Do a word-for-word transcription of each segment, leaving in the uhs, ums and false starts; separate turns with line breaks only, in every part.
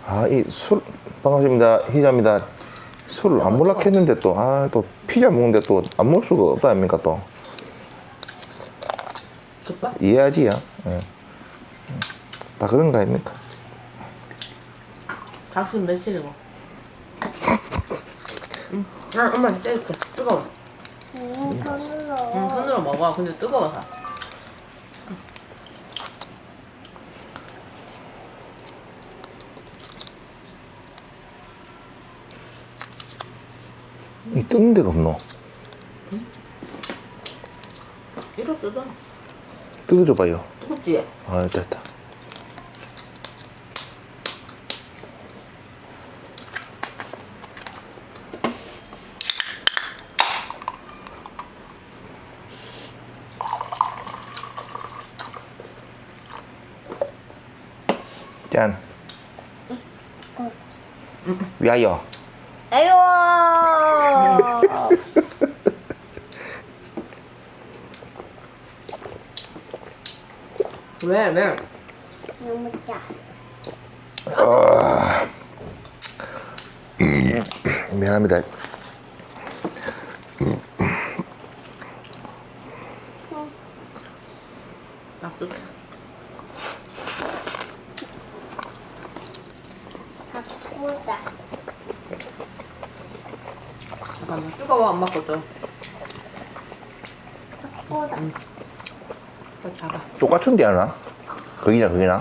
아, 이 술, 반갑습니다. 희자입니다. 술을 안 먹으려고 했는데 또, 아, 또 피자 먹는데 또 안 먹을 수가 없다 아닙니까 또.
줬다?
이해하지요. 예. 다 그런 거 아닙니까?
가슴 며칠이고. 응. 아, 엄마 떼줄게. 뜨거워.
음, 손으로.
응, 손으로 먹어. 근데 뜨거워서.
이 뜯는 데가 없노?
이거 뜯어.
뜯어줘봐요.
뜨겁지?
아, 됐다, 됐다. 짠. 위하여.
아유.
왜, 왜?
너무 짜.
미안합니다.
딱 뜯어.
바꾸자.
잠깐만. 뜨거워, 안 맞거든.
바꾸자.
더 작아.
똑같은데 하나? 거기나 거기나?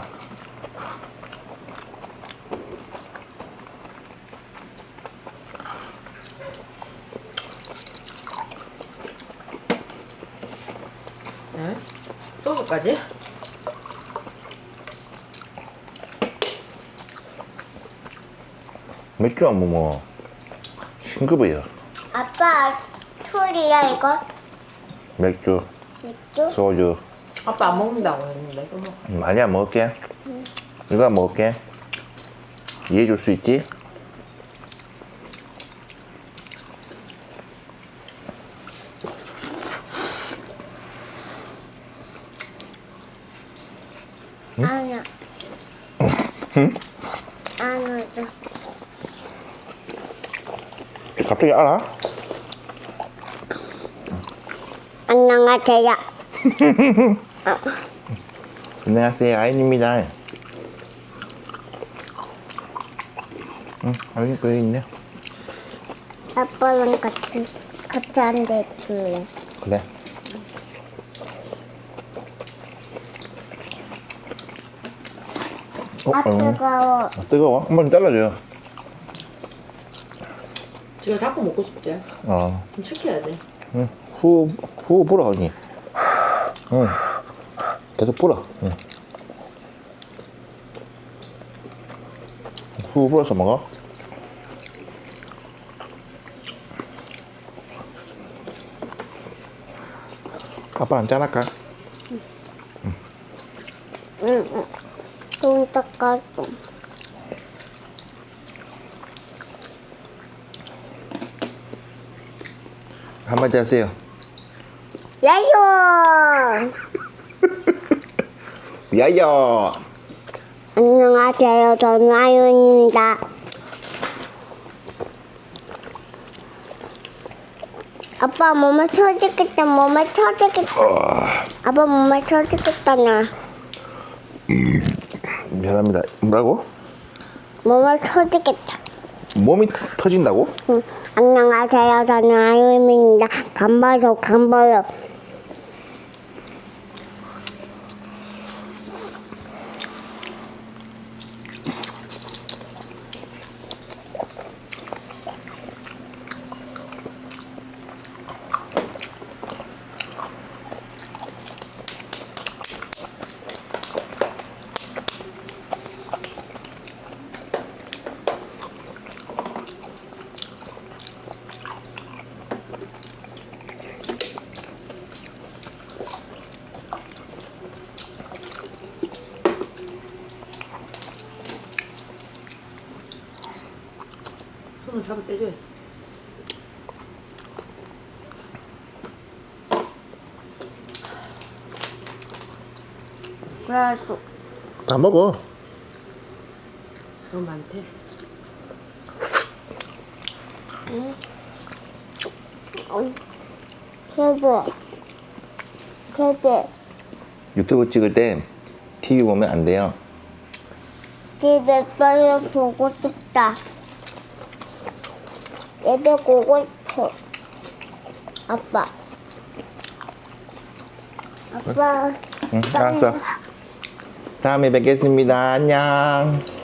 응? 소주까지?
맥주 안 먹으면 싱겁어요.
아빠 술이야 이거?
맥주,
맥주?
소주.
아빠 안 먹는다고 했는데. 그거.
많이 안 먹을게. 이거 안 먹을게. 이해해 줄 수 있지?
아니야.
응?
아니야.
갑자기 알아?
안녕하세요.
안녕하세요, 아인입니다. 응, 아인 거기 있네.
아빠랑 같이 같이 앉아 있을래.
그래. 어,
아
어.
뜨거워.
아, 뜨거워? 한번 잘라줘요.
지금 자꾸 먹고 싶지?
어.
그럼 시켜야 돼.
응. 후, 후 불어, 언니. 응. 계속 불어. 응. 후 불어서 먹어. 아빠 한 잔 할까?
응. 좀 닦아줘.
한마디 하세요.
야요.
야야.
안녕하세요. 저는 아윤입니다. 아빠 몸에 쳐지겠다. 몸에 쳐지겠다. 아빠 몸에 쳐지겠다 나.
미안합니다. 뭐라고?
몸에 쳐지겠다.
몸이 터진다고?
응. 안녕하세요. 저는 아윤입니다. 간봐요. 간봐요.
손을 잡아 떼줘야 돼.
그래서
다 먹어.
너무 많대.
개배. 개배.
유튜브 찍을 때 티비 보면 안 돼요.
집에 빨리 보고 싶다. 집에 보고 싶어. 아빠. 아빠.
응, 알았어. 다음에 뵙겠습니다. 안녕.